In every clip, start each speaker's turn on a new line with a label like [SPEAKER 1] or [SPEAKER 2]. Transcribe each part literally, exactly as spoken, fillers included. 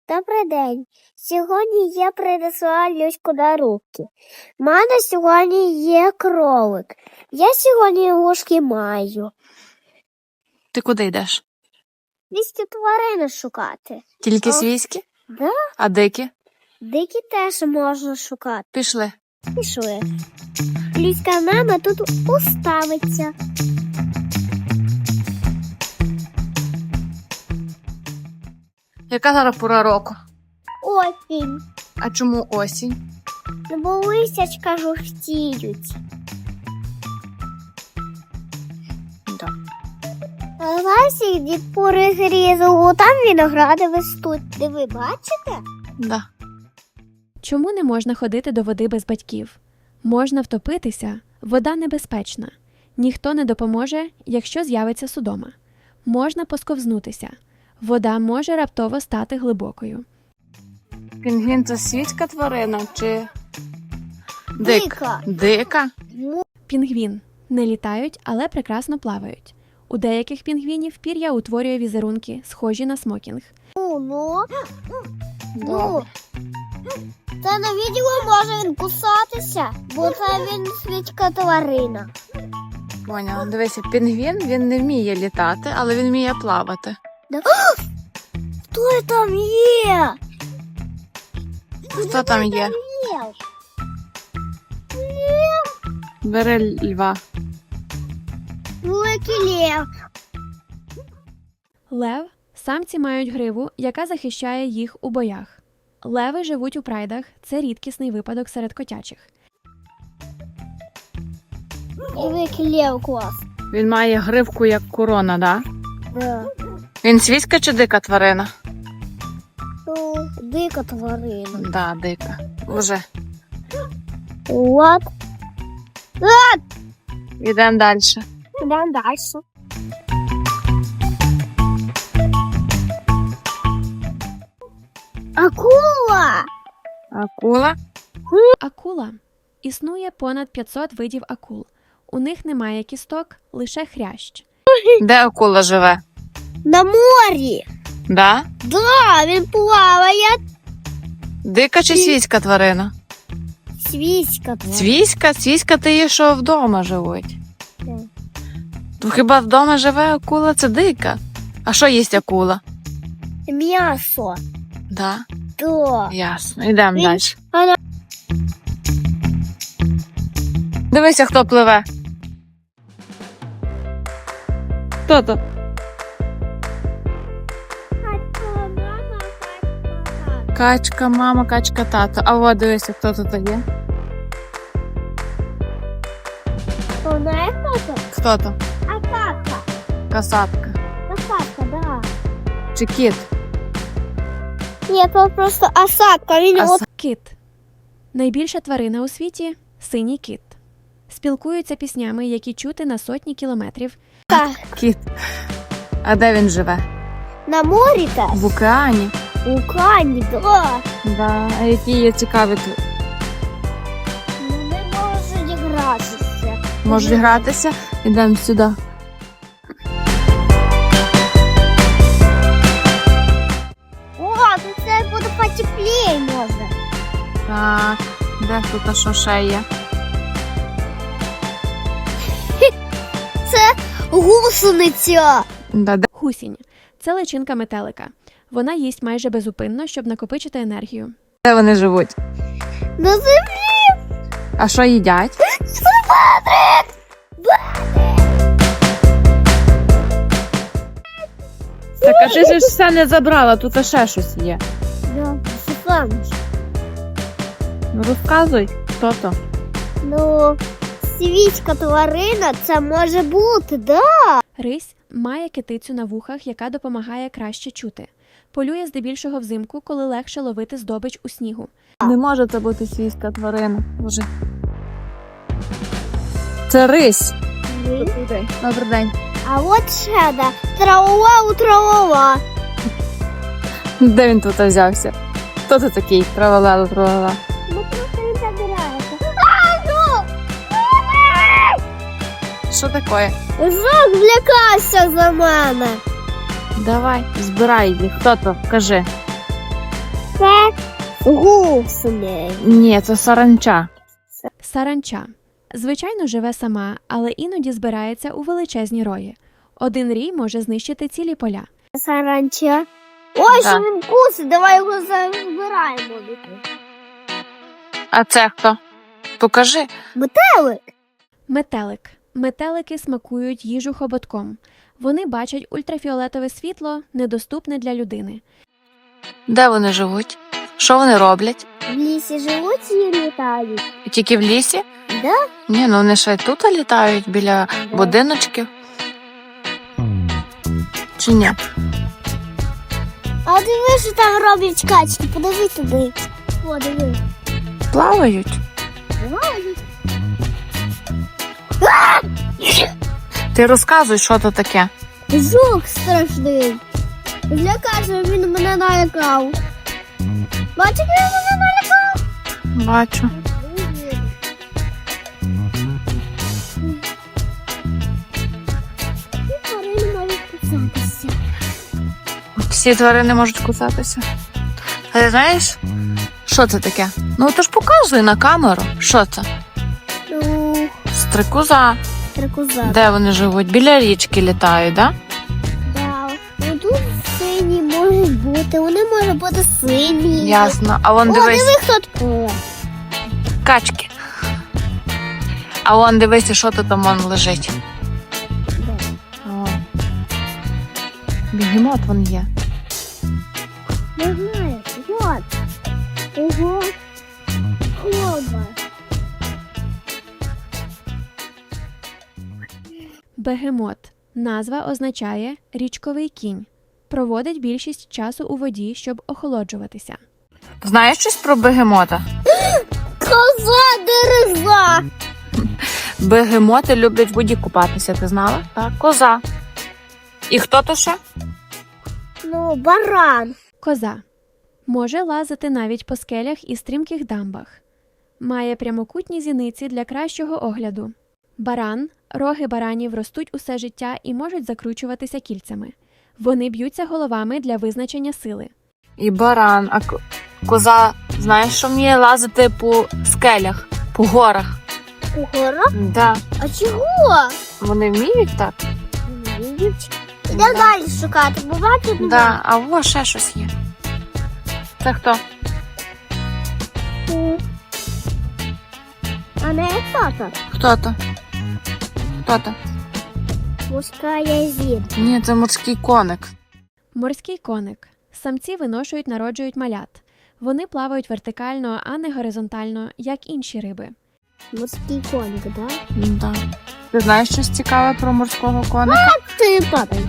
[SPEAKER 1] Добрий день. Сьогодні я принесла Люську на руки. У мене сьогодні є кролик. Я сьогодні ложки маю.
[SPEAKER 2] Ти куди йдеш?
[SPEAKER 1] Свійські тварини шукати.
[SPEAKER 2] Тільки
[SPEAKER 1] О.
[SPEAKER 2] свійські?
[SPEAKER 1] Да?
[SPEAKER 2] А дикі?
[SPEAKER 1] Дикі теж можна шукати.
[SPEAKER 2] Пішли.
[SPEAKER 1] Пішли. Люська мама тут уставиться.
[SPEAKER 2] Яка зараз пора року?
[SPEAKER 1] Осінь.
[SPEAKER 2] А чому осінь?
[SPEAKER 1] Бо лисячка жовтіють.
[SPEAKER 2] Да.
[SPEAKER 1] Ласі дід перегрізав, там виногради ростуть. Де ви бачите?
[SPEAKER 2] Да.
[SPEAKER 3] Чому не можна ходити до води без батьків? Можна втопитися, вода небезпечна. Ніхто не допоможе, якщо з'явиться судома. Можна посковзнутися. Вода може раптово стати глибокою.
[SPEAKER 2] Пінгвін – це свійська тварина чи дик?
[SPEAKER 1] Дика.
[SPEAKER 2] Дика?
[SPEAKER 3] Пінгвін не літають, але прекрасно плавають. У деяких пінгвінів пір'я утворює візерунки, схожі на смокінг.
[SPEAKER 1] Ну, ну. Ну.
[SPEAKER 2] Добре.
[SPEAKER 1] Та на відео може він кусатися, бо це він свічка тварина.
[SPEAKER 2] Поняла. Дивися, пінгвін, він не вміє літати, але він вміє плавати.
[SPEAKER 1] Да. Хто там є?
[SPEAKER 2] Хто там є?
[SPEAKER 1] Лев.
[SPEAKER 2] Бери льва.
[SPEAKER 1] Великий лев.
[SPEAKER 3] Лев – самці мають гриву, яка захищає їх у боях. Леви живуть у прайдах – це рідкісний випадок серед котячих.
[SPEAKER 1] Великий лев клас.
[SPEAKER 2] Він має гривку як корона, да?
[SPEAKER 1] Да.
[SPEAKER 2] Він свійська чи дика тварина?
[SPEAKER 1] Ну, дика тварина.
[SPEAKER 2] Да, дика. Уже.
[SPEAKER 1] От.
[SPEAKER 2] Йдемо далі.
[SPEAKER 1] Йдемо далі. Акула!
[SPEAKER 2] Акула?
[SPEAKER 3] Акула. Існує понад п'ятсот видів акул. У них немає кісток, лише хрящ.
[SPEAKER 2] Де акула живе?
[SPEAKER 1] На морі.
[SPEAKER 2] Да?
[SPEAKER 1] Да, він плаває.
[SPEAKER 2] Дика чи свійська тварина?
[SPEAKER 1] Свійська тварина.
[SPEAKER 2] Свійська? Свійська ти є, що вдома живуть.
[SPEAKER 1] Так.
[SPEAKER 2] То хіба вдома живе акула? Це дика. А що їсть акула?
[SPEAKER 1] М'ясо.
[SPEAKER 2] Да?
[SPEAKER 1] Да.
[SPEAKER 2] Ясно. Йдемо
[SPEAKER 1] Він-
[SPEAKER 2] далі.
[SPEAKER 1] Вона-
[SPEAKER 2] Дивися, хто пливе. Хто то? Качка, мама, качка, тато. А от дивися, хто тут є.
[SPEAKER 1] Вона є хто-то?
[SPEAKER 2] Хто то?
[SPEAKER 1] А кака.
[SPEAKER 2] Касатка.
[SPEAKER 1] Осадка, да.
[SPEAKER 2] Чи кіт?
[SPEAKER 1] Ні, це просто осадка. Він
[SPEAKER 2] Аса-
[SPEAKER 1] от
[SPEAKER 3] Кит. Найбільша тварина у світі – синій кит. Спілкуються піснями, які чути на сотні кілометрів.
[SPEAKER 1] так.
[SPEAKER 2] Кіт. А де він живе?
[SPEAKER 1] На морі так.
[SPEAKER 2] В океані.
[SPEAKER 1] У кані, да.
[SPEAKER 2] Да. А які є цікаві тут?
[SPEAKER 1] Ну, не можуть гратися.
[SPEAKER 2] Можуть гратися? Йдемо сюди.
[SPEAKER 1] О, тут це буде потепліє може.
[SPEAKER 2] Так. Де тут а що ще є?
[SPEAKER 1] Гусениця.
[SPEAKER 2] Да, де?
[SPEAKER 3] Гусінь – це личинка метелика. Вона їсть майже безупинно, щоб накопичити енергію.
[SPEAKER 2] Де вони живуть?
[SPEAKER 1] На землі.
[SPEAKER 2] А що їдять? Так, а ти ж все не забрала, тут ще щось є.
[SPEAKER 1] Да, Стефаныч.
[SPEAKER 2] Ну розказуй, хто то?
[SPEAKER 1] Ну, свічка тварина це може бути, да.
[SPEAKER 3] Рись має китицю на вухах, яка допомагає краще чути. Полює здебільшого взимку, коли легше ловити здобич у снігу.
[SPEAKER 2] Не може це бути свійська тварина. Боже. Це рись. Добрий день.
[SPEAKER 1] А от ще да. Трава у трава.
[SPEAKER 2] Де він тут взявся? Хто це такий? Травалела, травала.
[SPEAKER 1] Ну просто не забирається. А, ну!
[SPEAKER 2] Що таке?
[SPEAKER 1] Жак злякався за мене.
[SPEAKER 2] Давай, збирай їх. Хто то? Кажи.
[SPEAKER 1] Це гусений.
[SPEAKER 2] Ні, це саранча.
[SPEAKER 3] Саранча. Звичайно, живе сама, але іноді збирається у величезні рої. Один рій може знищити цілі поля.
[SPEAKER 1] Саранча. Ой,
[SPEAKER 2] Да.
[SPEAKER 1] що він кусить, давай його забираємо.
[SPEAKER 2] А це хто? Покажи.
[SPEAKER 1] Метелик.
[SPEAKER 3] Метелик. Метелики смакують їжу хоботком. Вони бачать ультрафіолетове світло, недоступне для людини.
[SPEAKER 2] Де вони живуть? Що вони роблять?
[SPEAKER 1] В лісі живуть і літають.
[SPEAKER 2] Тільки в лісі?
[SPEAKER 1] Да?
[SPEAKER 2] Ні, ну вони ще й тут літають біля
[SPEAKER 1] Да.
[SPEAKER 2] будиночків. Чи ні?
[SPEAKER 1] А диви, що там роблять качки, подиви туди. О, диви.
[SPEAKER 2] Плавають.
[SPEAKER 1] Плавають.
[SPEAKER 2] Ти розказуй, що то таке.
[SPEAKER 1] Жук страшний. Злякався, він мене налякав. Бачиш, він мене налякав?
[SPEAKER 2] Бачу.
[SPEAKER 1] І тварини можуть кусатися.
[SPEAKER 2] Всі тварини можуть кусатися. А ти знаєш, що це таке? Ну то ж показуй на камеру. Що це?
[SPEAKER 1] Ну,
[SPEAKER 2] Стрикоза.
[SPEAKER 1] стрекоза.
[SPEAKER 2] Де вони живуть? Біля річки літають, да?
[SPEAKER 1] Да. Ну тут сині можуть бути, вони можуть бути сині.
[SPEAKER 2] Ясно. А вон
[SPEAKER 1] О,
[SPEAKER 2] дивись,
[SPEAKER 1] диви, хто таке.
[SPEAKER 2] качки. А вон дивися, що то там вон лежить. О. Бігемот вон є.
[SPEAKER 1] Не знаю, вот. Ого. Хлоба.
[SPEAKER 3] Бегемот. Назва означає «річковий кінь». Проводить більшість часу у воді, щоб охолоджуватися.
[SPEAKER 2] Знаєш щось про бегемота?
[SPEAKER 1] Коза дереза.
[SPEAKER 2] Бегемоти люблять в воді купатися, ти знала? Так, коза. І хто то ще?
[SPEAKER 1] Ну, баран.
[SPEAKER 3] Коза. Може лазити навіть по скелях і стрімких дамбах. Має прямокутні зіниці для кращого огляду. Баран. Роги баранів ростуть усе життя і можуть закручуватися кільцями. Вони б'ються головами для визначення сили.
[SPEAKER 2] І баран. А ко- коза, знаєш, що вміє лазити по скелях, по горах?
[SPEAKER 1] Гора?
[SPEAKER 2] Да.
[SPEAKER 1] А чого?
[SPEAKER 2] Вони вміють так?
[SPEAKER 1] Іде далі шукати, бо бачите?
[SPEAKER 2] Да. А во ще щось є. Це хто?
[SPEAKER 1] А не хто-то.
[SPEAKER 2] Хто то? Хто то?
[SPEAKER 1] Мужская зір.
[SPEAKER 2] Ні, це морський коник.
[SPEAKER 3] Морський коник. Самці виношують, народжують малят. Вони плавають вертикально, а не горизонтально, як інші риби.
[SPEAKER 1] Морський коник, да?
[SPEAKER 2] Да. Ти знаєш щось цікаве про морського коника?
[SPEAKER 1] Ти падай.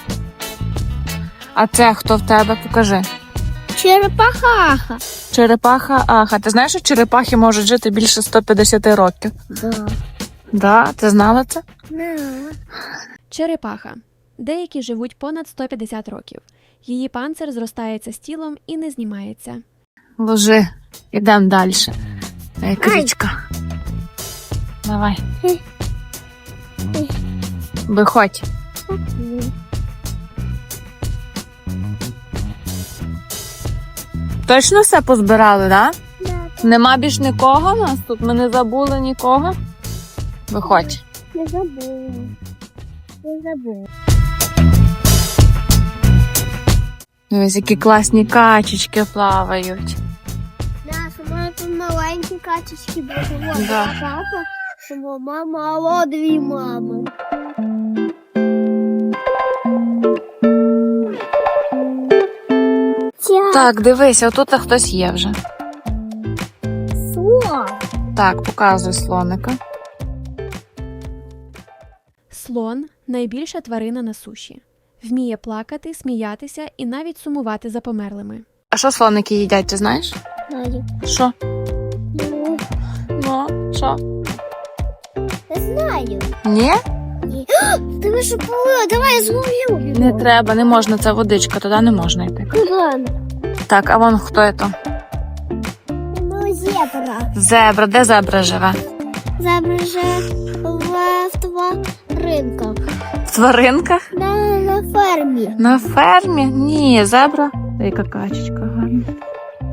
[SPEAKER 2] А це хто в тебе? Покажи.
[SPEAKER 1] Черепахаха.
[SPEAKER 2] Черепаха Аха. Ти знаєш, що черепахи можуть жити більше сто п'ятдесят років?
[SPEAKER 1] Да.
[SPEAKER 2] Да, ти знала це?
[SPEAKER 1] Не.
[SPEAKER 3] Черепаха. Деякі живуть понад сто п'ятдесят років. Її панцир зростається з тілом і не знімається.
[SPEAKER 2] Ложи. Ідемо далі. Ей, крічка. Давай. Виходь. Точно все позбирали, да?
[SPEAKER 1] Да.
[SPEAKER 2] Нема більш нікого в нас тут? Ми не забули нікого? Виходь.
[SPEAKER 1] Не забув. Не забув.
[SPEAKER 2] Ось які класні качечки плавають.
[SPEAKER 1] Наша мама тут маленькі качечки були. Вот
[SPEAKER 2] Да.
[SPEAKER 1] папа, що мама, а дві мами. Тя.
[SPEAKER 2] Так, дивись, отут хтось є вже.
[SPEAKER 1] Слон.
[SPEAKER 2] Так, показуй слоника.
[SPEAKER 3] Слон – найбільша тварина на суші. Вміє плакати, сміятися і навіть сумувати за померлими.
[SPEAKER 2] А що слоники їдять, ти знаєш?
[SPEAKER 1] Знаю.
[SPEAKER 2] Що?
[SPEAKER 1] Ну,
[SPEAKER 2] Ну, що?
[SPEAKER 1] не знаю.
[SPEAKER 2] Ні?
[SPEAKER 1] Ні. Ти ви що полила? Давай я зловлю.
[SPEAKER 2] Не треба, не можна, це водичка, туди не можна йти.
[SPEAKER 1] Ладно.
[SPEAKER 2] Так, а вон хто це?
[SPEAKER 1] Ну, зебра.
[SPEAKER 2] Зебра, де зебра живе?
[SPEAKER 1] Зебра же в тваринках.
[SPEAKER 2] В тваринках?
[SPEAKER 1] На, на фермі.
[SPEAKER 2] На фермі? Ні, зебра. Та яка качечка гарна.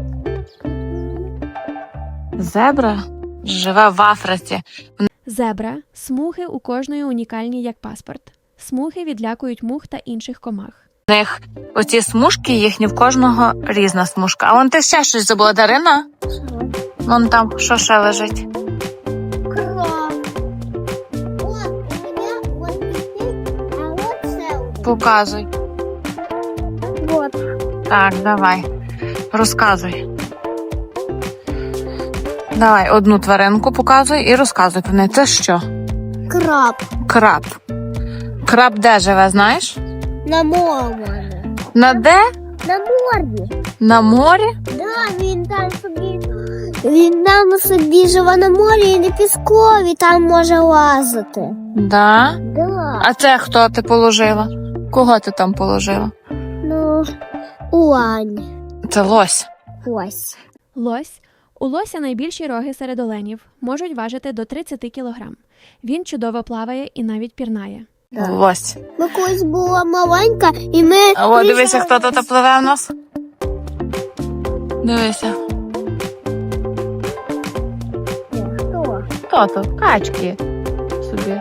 [SPEAKER 2] Зебра живе в Африці.
[SPEAKER 3] Зебра – смуги у кожної унікальні як паспорт. Смуги відлякують мух та інших комах.
[SPEAKER 2] В них оці смужки їхні, в кожного різна смужка. А вон ти ще щось забула, Дарина? Вон там, що ще лежить?
[SPEAKER 1] Кров. От, у мене вот висить, а от це.
[SPEAKER 2] Показуй.
[SPEAKER 1] Вот.
[SPEAKER 2] Так, давай. Розказуй. Давай, одну тваринку показуй і розказуй про неї. Це що?
[SPEAKER 1] Краб.
[SPEAKER 2] Краб. Краб де живе, знаєш?
[SPEAKER 1] На морі.
[SPEAKER 2] На де?
[SPEAKER 1] На морі.
[SPEAKER 2] На морі?
[SPEAKER 1] Да, він там собі. Він там собі живе на морі і на піскові, там може лазити.
[SPEAKER 2] Да.
[SPEAKER 1] Да.
[SPEAKER 2] А це хто ти положила? Кого ти там положила?
[SPEAKER 1] Ну, уань.
[SPEAKER 2] Це лось.
[SPEAKER 1] Ось.
[SPEAKER 3] Лось. У лося найбільші роги серед оленів, можуть важити до тридцять кілограм. Він чудово плаває і навіть пірнає.
[SPEAKER 1] Да.
[SPEAKER 2] Лось.
[SPEAKER 1] Ми колись була маленька, і ми...
[SPEAKER 2] А о, дивися,
[SPEAKER 1] приїжджали-
[SPEAKER 2] хто тут пливе в нас. Дивися.
[SPEAKER 1] Хто?
[SPEAKER 2] Хто тут? Качки. Собі.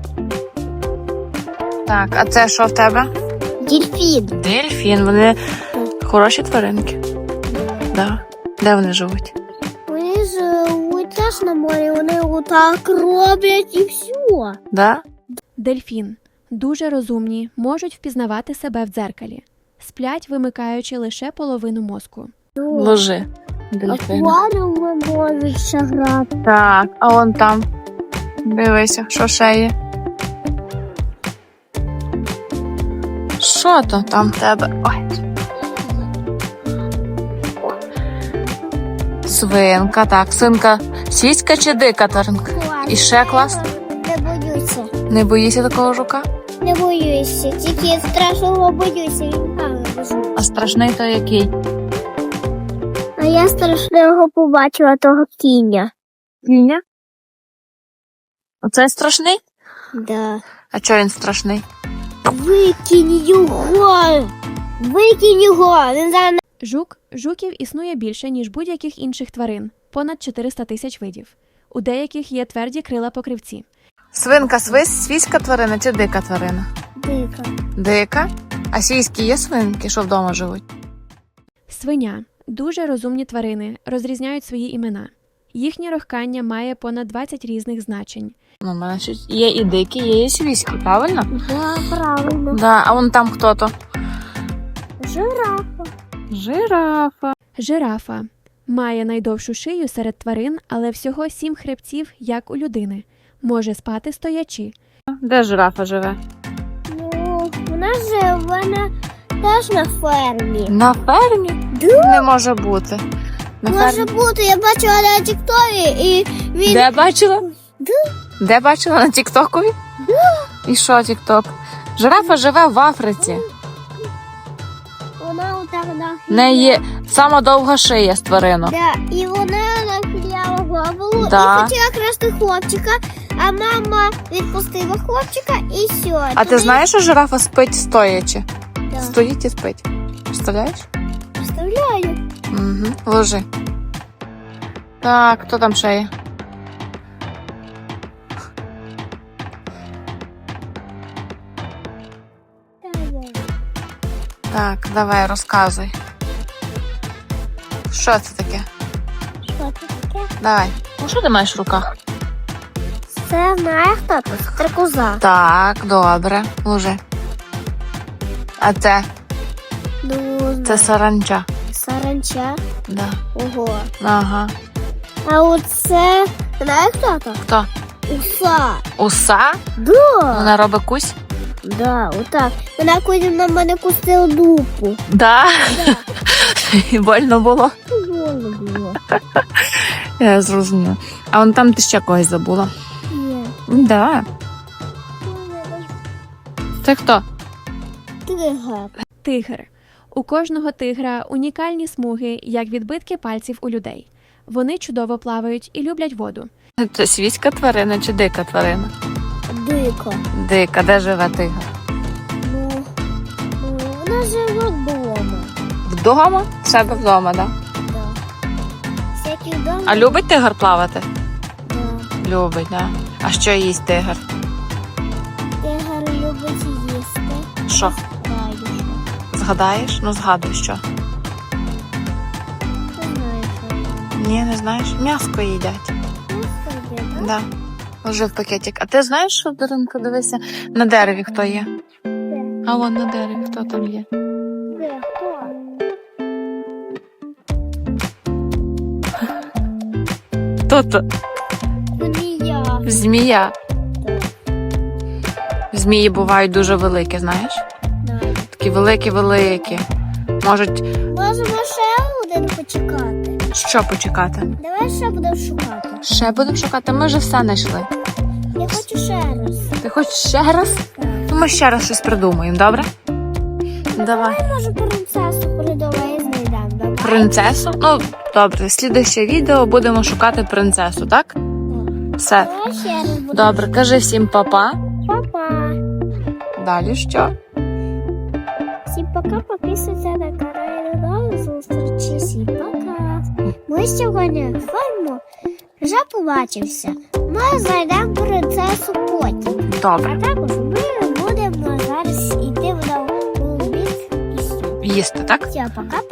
[SPEAKER 2] Так, а це що в тебе?
[SPEAKER 1] Дельфін.
[SPEAKER 2] Дельфін. Вони хороші тваринки. Да. Де вони живуть?
[SPEAKER 1] Вони живуть теж на морі, вони отак роблять і все.
[SPEAKER 2] Да?
[SPEAKER 3] Дельфін. Дуже розумні, можуть впізнавати себе в дзеркалі. Сплять, вимикаючи лише половину мозку.
[SPEAKER 2] Ложи. Дельфін.
[SPEAKER 1] Акваріуми можуть ще грати.
[SPEAKER 2] Так, а вон там. Дивися, що ще є. Що то там в тебе? Ой. Свинка, так, свинка. Свійська чи дика тваринка? І ще клас?
[SPEAKER 1] Не боюся.
[SPEAKER 2] Не боїшся такого жука?
[SPEAKER 1] Не боюся. Тільки страшного боюся. Він там лежить.
[SPEAKER 2] А страшний то який?
[SPEAKER 1] А я страшного побачила того кіня.
[SPEAKER 2] Кіня? Оце страшний?
[SPEAKER 1] Да.
[SPEAKER 2] А чого він страшний?
[SPEAKER 1] Викинь його! Викинь його! Він зараз...
[SPEAKER 3] Жук. Жуків існує більше, ніж будь-яких інших тварин – понад чотириста тисяч видів. У деяких є тверді крила покривці.
[SPEAKER 2] Свинка свись, свійська тварина чи дика тварина?
[SPEAKER 1] Дика.
[SPEAKER 2] Дика? А свійські є свинки, що вдома живуть?
[SPEAKER 3] Свиня – дуже розумні тварини, розрізняють свої імена. Їхнє рохкання має понад двадцять різних значень.
[SPEAKER 2] Ну, в мене щось є і дикі, є і свійські, правильно?
[SPEAKER 1] Да, правильно.
[SPEAKER 2] Да, а вон там хто то?
[SPEAKER 1] Жирафа.
[SPEAKER 2] Жирафа.
[SPEAKER 3] Жирафа – має найдовшу шию серед тварин, але всього сім хребців, як у людини. Може спати стоячи.
[SPEAKER 2] Де жирафа живе?
[SPEAKER 1] Ну, вона живе на... теж на фермі.
[SPEAKER 2] На фермі?
[SPEAKER 1] Да.
[SPEAKER 2] Не може бути. На
[SPEAKER 1] Може
[SPEAKER 2] фермі.
[SPEAKER 1] бути, я бачила на тіктові, і він...
[SPEAKER 2] Де бачила?
[SPEAKER 1] Да.
[SPEAKER 2] Де бачила? На тіктокові? Да. І що тікток? Жирафа живе в Африці.
[SPEAKER 1] Вона отак нахиляла.
[SPEAKER 2] В неї є сама довга шия з тваринок.
[SPEAKER 1] Да, і вона нахиляла голову
[SPEAKER 2] Да.
[SPEAKER 1] і хотіла красти хлопчика, а мама відпустила хлопчика і все.
[SPEAKER 2] А ти знаєш, що жирафа спить стоячи?
[SPEAKER 1] Да.
[SPEAKER 2] Стоїть і спить. Представляєш?
[SPEAKER 1] Представляю.
[SPEAKER 2] Угу. Ложи. Так, хто там ще є? Так, давай, розказуй. Що це таке?
[SPEAKER 1] Що це таке?
[SPEAKER 2] Давай. Ну, що ти маєш в руках?
[SPEAKER 1] Це знає хто тут? Стрекоза.
[SPEAKER 2] Так, добре. Ложи. А це?
[SPEAKER 1] Ну,
[SPEAKER 2] Це саранча.
[SPEAKER 1] саранча.
[SPEAKER 2] Да.
[SPEAKER 1] Ого.
[SPEAKER 2] Ага.
[SPEAKER 1] А оце, знає хто тут?
[SPEAKER 2] Хто?
[SPEAKER 1] Уса.
[SPEAKER 2] Уса?
[SPEAKER 1] Да.
[SPEAKER 2] Вона робить кусь?
[SPEAKER 1] Да, отак. Вона коли на мене кустила дупу.
[SPEAKER 2] Да.
[SPEAKER 1] Да.
[SPEAKER 2] І больно було.
[SPEAKER 1] Больно було.
[SPEAKER 2] Я зрозуміла. А вон там ти ще когось забула.
[SPEAKER 1] Ні.
[SPEAKER 2] Да. Це хто?
[SPEAKER 1] Тигр.
[SPEAKER 3] Тигр. У кожного тигра унікальні смуги, як відбитки пальців у людей. Вони чудово плавають і люблять воду.
[SPEAKER 2] Це свійська тварина чи дика тварина?
[SPEAKER 1] Дико.
[SPEAKER 2] Дика, де живе тигр?
[SPEAKER 1] Ну, ну, вона живе вдома.
[SPEAKER 2] Вдома? В себе вдома, так? Да?
[SPEAKER 1] Да. поки вдома.
[SPEAKER 2] А любить тигр плавати?
[SPEAKER 1] Да.
[SPEAKER 2] Любить, да. А що їсть тигр?
[SPEAKER 1] Тигр любить їсти.
[SPEAKER 2] Що?
[SPEAKER 1] Знаю, що.
[SPEAKER 2] Згадаєш? Ну згадуй, що.
[SPEAKER 1] Не знаю, що.
[SPEAKER 2] Ні, не знаєш? М'яско їдять.
[SPEAKER 1] Ну, собі, да?
[SPEAKER 2] Да. Уже в пакетик. А ти знаєш, що, Даринка, дивися, на дереві хто є?
[SPEAKER 1] Де?
[SPEAKER 2] А вон на дереві хто там є?
[SPEAKER 1] Де? Хто?
[SPEAKER 2] Хто то?
[SPEAKER 1] Ну, не я.
[SPEAKER 2] Змія.
[SPEAKER 1] Так.
[SPEAKER 2] Змії бувають дуже великі, знаєш?
[SPEAKER 1] Знаю.
[SPEAKER 2] Такі великі-великі. Можуть
[SPEAKER 1] Можемо ще один почекати.
[SPEAKER 2] що почекати?
[SPEAKER 1] Давай ще будемо шукати.
[SPEAKER 2] Ще будемо шукати, ми вже все знайшли.
[SPEAKER 1] Я хочу ще раз.
[SPEAKER 2] Ти хочеш ще раз?
[SPEAKER 1] Так.
[SPEAKER 2] Ну, ми ще раз щось придумаємо, добре? Давай.
[SPEAKER 1] Давай, може, принцесу придумай і знайдемо. Давай.
[SPEAKER 2] Принцесу? Ну, добре, слідуюче відео будемо шукати принцесу, так? Все.
[SPEAKER 1] Давай ще раз будемо.
[SPEAKER 2] Добре, кажи всім па-па.
[SPEAKER 1] Па-па.
[SPEAKER 2] Далі що?
[SPEAKER 1] Всім пока, підписуйтесь на канал. До зустрічі. Всім пока. Ми сьогодні з вами вже побачимося. Ми знайдемо принцесу потім.
[SPEAKER 2] Добре.
[SPEAKER 1] А також ми будемо зараз йти в новий бік і все.
[SPEAKER 2] Їсти, так?
[SPEAKER 1] Все, пока.